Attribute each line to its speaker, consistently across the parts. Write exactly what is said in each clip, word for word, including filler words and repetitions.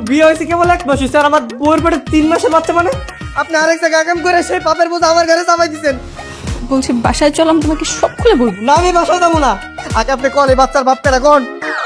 Speaker 1: বিয়ে হয়েছে কেবল এক মাস হয়েছে আর আমার বউয়ের পেটে তিন মাসের বাচ্চা মানে আপনি আরেক জায়গায় কাম করে সেই পাপের বোঝা আমার ঘরে চাপাই দিচ্ছেন।
Speaker 2: বলছি বাসায় চল, আমি তোমাকে সব খুলে বলবো।
Speaker 1: না আমি বাসায় যাবো না, আগে আপনি কল এই বাচ্চার বাপ পেরা কোন।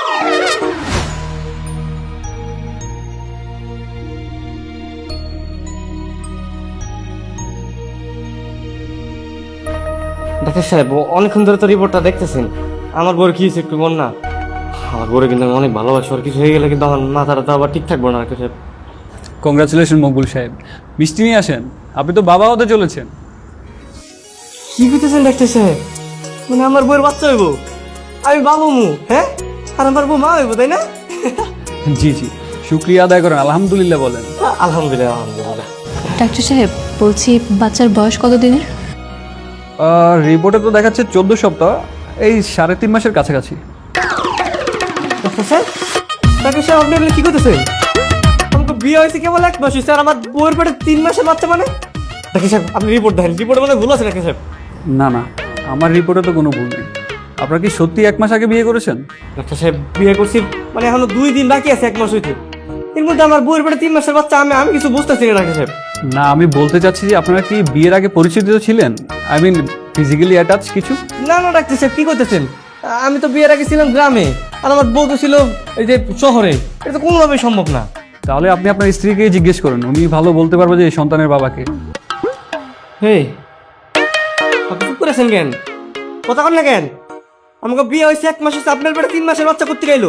Speaker 1: ডাক্তার সাহেব অনেকক্ষণ ধরে তো রিপোর্টটা দেখতেছেন, আমার বউর কি হয়েছে একটু বল না। আমার বউরে কিন্তু আমি অনেক ভালোবাসি, আর কিছু হয়ে গেলে কিন্তু আমার মাথাটা তো আবার ঠিক থাকবো না ডাক্তার সাহেব।
Speaker 3: কংগ্রাচুলেশন মকবুল সাহেব, মিষ্টি নিয়ে আসেন, আপনি তো বাবা হতে চলেছেন।
Speaker 1: কি করতেছেন ডাক্তার সাহেব? মানে আমার বউয়ের বাচ্চা হইব, আমি বাবু মু, হ্যাঁ, আর আমার বউ মা হইব, তাই না?
Speaker 3: জি জি, শুক্রিয়া আদায় করেন, আলহামদুলিল্লাহ বলেন।
Speaker 1: আলহামদুলিল্লাহ আলহামদুলিল্লাহ।
Speaker 2: ডাক্তার সাহেব বলছি বাচ্চার বয়স কত দিনের?
Speaker 3: রিপোর্টে তো দেখাচ্ছে চোদ্দ সপ্তাহ, এই সাড়ে তিন মাসের কাছাকাছি।
Speaker 1: ডাক্তার সাহেব ডাক্তার সাহেব আপনি এগুলো কি করতেছেন? আমাকে বিয়ে হয়েছে কেবল এক মাস হয়েছে আর আমার বউয়ের পেটে তিন মাসের বাচ্চা মানে। ডাক্তার সাহেব আপনি রিপোর্ট দেখেন, রিপোর্টে মানে ভুল আছে ডাক্তার সাহেব।
Speaker 3: না না, আমার রিপোর্টে তো কোনো ভুল নেই। আপনারা কি সত্যি এক মাস আগে বিয়ে করেছেন?
Speaker 1: ডাক্তার সাহেব বিয়ে করছি মানে এখনো দুই দিন বাকি আছে এক মাস হইতে, এর মধ্যে আমার বউয়ের পেটে তিন মাসের বাচ্চা, আমি আমি কিছু বুঝতেছি না ডাক্তার সাহেব।
Speaker 3: না, আমি বলতে চাচ্ছি যে আপনারা কি বিয়ের আগে পরিচিত ছিলেন, আই মিন ফিজিক্যালি অ্যাটাচ কিছু?
Speaker 1: না না ডাক্তার সাহেব কি করতেছেন, আমি তো বিয়ের আগে ছিলাম গ্রামে আর আমার বউ তো ছিল এই যে শহরে, এটা তো কোনোভাবেই সম্ভব না।
Speaker 3: তাহলে আপনি আপনার স্ত্রীকে জিজ্ঞেস করুন, উনি ভালো বলতে পারবে যে এই সন্তানের বাবাকে।
Speaker 1: হে আপনি চুপ করেছেন কেন, কথা কন না কেন? আমাকে বিয়ে হয়েছে এক মাস হয়েছে, আপনার পেটে তিন মাসের বাচ্চা করতে গেলো।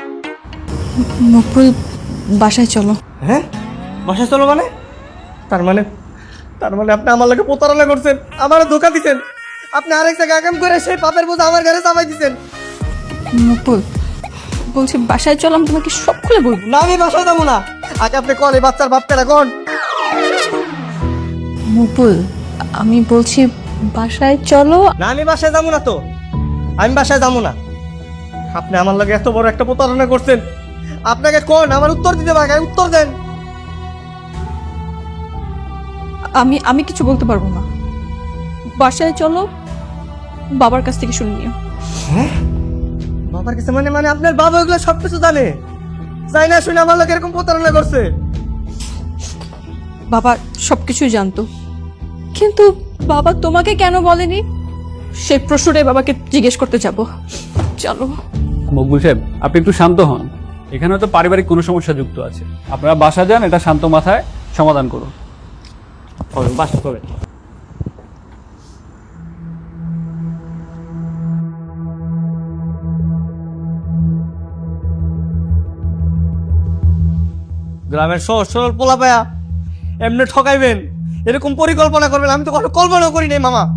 Speaker 2: মকবুল বাসায় চলো।
Speaker 1: হ্যাঁ বাসায় চলো মানে? তার মানে তার মানে আপনি আমার লাগে প্রতারণা করছেন, আমার ধোকা দিচ্ছেন, আপনি আরেক জায়গায় কাম করে সেই পাপের বোঝা আমার ঘরে চাপাই দিচ্ছেন।
Speaker 2: মকবুল বলছি বাসায় চল, আমি তোমাকে সব খুলে বলবো।
Speaker 1: না আমি বাসায় যাবো না, আগে আপনি কল এই বাচ্চার বাপ পেরা কোন।
Speaker 2: মকবুল আমি বলছি বাসায় চলো।
Speaker 1: না আমি বাসায় যাবো না তো, আমি বাসায় যাবো না। আপনি আমার লাগে এত বড় একটা প্রতারণা করছেন, আপনাকে কোন আমার উত্তর দিতে পারে, উত্তর দেন।
Speaker 2: আমি আমি কিছু বলতে পারবো না, বাসায় চলো, বাবার কাছ থেকে শুনে নিও।
Speaker 1: হ্যাঁ বাবার কাছে মানে মানে আপনার বাবা ওগুলো সবকিছু জানে, জানি না শুনে আমার লোক এরকম প্রতারণা করছে।
Speaker 2: বাবা সবকিছুই জানতো, কিন্তু বাবা তোমাকে কেন বলেনি সেই প্রশ্নটাই বাবাকে জিজ্ঞেস করতে যাব। চলো।
Speaker 3: মকবুল সাহেব আপনি একটু শান্ত হন, এখানে তো পারিবারিক কোনো সমস্যা যুক্ত আছে, আপনারা বাসা যান, এটা শান্ত মাথায় সমাধান করুন।
Speaker 1: বাসা করে গ্রামের সহজ সরল পোলা পায়া এমনি ঠকাইবেন, এরকম পরিকল্পনা করবেন, আমি তো কখনো কল্পনাও করি নাই মামা।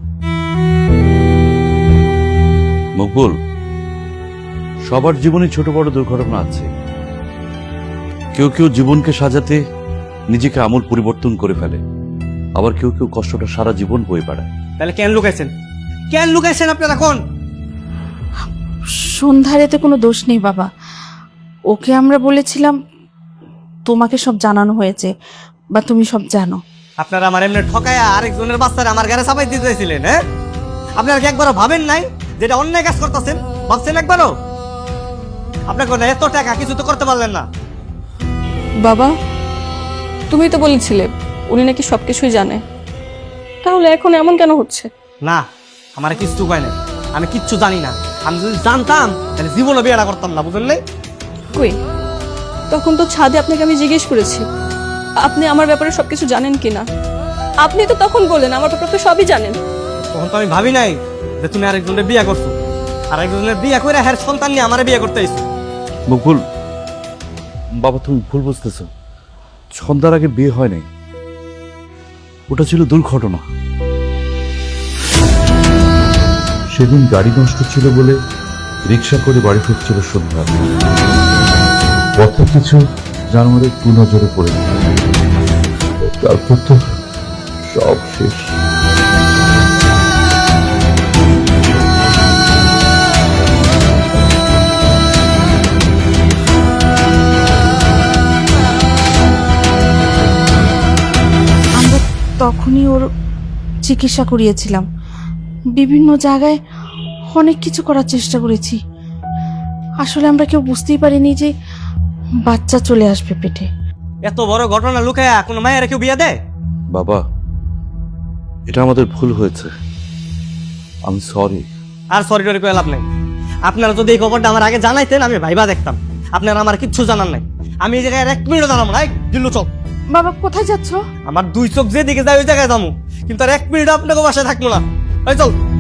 Speaker 4: মকবুল, সবার জীবনে ছোট বড় দুর্ঘটনা আছে। কেউ কেউ জীবনকে সাজাতে নিজেকে আমূল পরিবর্তন করে ফেলে, আবার কেউ কেউ কষ্টটা সারা জীবন বয়ে বেড়ায়।
Speaker 1: তাহলে কেন লুকাইছেন, কেন লুকাইছেন আপনারা এখন?
Speaker 5: সন্ধ্যার এতে কোনো দোষ নেই বাবা, ওকে আমরা বলেছিলাম তোমাকে সব জানানো হয়েছে বা তুমি সব জানো।
Speaker 1: আপনারা আমার এমনি ঠকায়া আরেকজনের বাচ্চারা আমার গাড়ি চাপাই দিতে চাইছিলেন, হ্যাঁ? আপনারা কি একবারও ভাবেন নাই যেটা অন্যায় কাজ করতেছেন? ভাবছেন একবারও? আপনাকে এত টাকা কিছু তো করতে পারলেন না।
Speaker 2: বাবা তুমি তো বলেছিলে উনি নাকি সবকিছুই জানে, তাহলে এখন এমন কেন হচ্ছে?
Speaker 1: না আমার কিচ্ছু কয় না, আমি কিচ্ছু জানি না। আমি যদি জানতাম তাহলে জীবনে বিয়েটা করতাম না, বুঝলেন নাই?
Speaker 2: কই তখন তো ছাদে আপনাকে আমি জিজ্ঞেস করেছি আপনি আমার ব্যাপারে সবকিছু জানেন কিনা, আপনি তো তখন বললেন আমার ব্যাপারে তো সবই জানেন।
Speaker 1: তখন তো আমি ভাবি নাই যে তুমি আরেকজনের বিয়ে করছো, আরেকজনের বিয়ে করে হ্যাঁ সন্তান নিয়ে আমার বিয়ে করতে আইছো।
Speaker 4: মকবুল বাবা, তুমি ভুল বুঝতেছ, সন্ধ্যার আগে বিয়ে হয় নাই, ওটা ছিল দুর্ঘটনা। সেদিন গাড়ি নষ্ট ছিল বলে রিক্সা করে বাড়ি ফিরছিল সন্ধ্যা, পথে কিছু জানোয়ারের কুনজরে পড়ে গেল, তারপর তো সব শেষ।
Speaker 5: আমরা তখনই ওর চিকিৎসা করিয়েছিলাম, বিভিন্ন জায়গায় অনেক কিছু করার চেষ্টা করেছি। আসলে আমরা কেউ বুঝতেই পারিনি যে বাচ্চা চলে আসবে পেটে।
Speaker 1: এত বড় ঘটনা লুকায়া কোনো মায়ের কেউ বিয়ে দেয়?
Speaker 4: বাবা, এটা আমাদের ভুল হয়েছে, আমি সরি।
Speaker 1: আর সরি টরি করে লাভ নাই। আপনারা যদি এই খবরটা আমার আগে জানাইতেন আমি ভাইবা দেখতাম। আপনারা আমার কিচ্ছু জানার নাই। আমি এই জায়গায় আর এক মিনিটও দাঁড়াবো না। এই, দিল্লু চল।
Speaker 5: বাবা কোথায় যাচ্ছ?
Speaker 1: আমার দুই চোখ যেদিকে যায় ওই জায়গায় যাবো, কিন্তু আর এক মিনিট আপনাকে বাসায় থাকবো না। এই চল।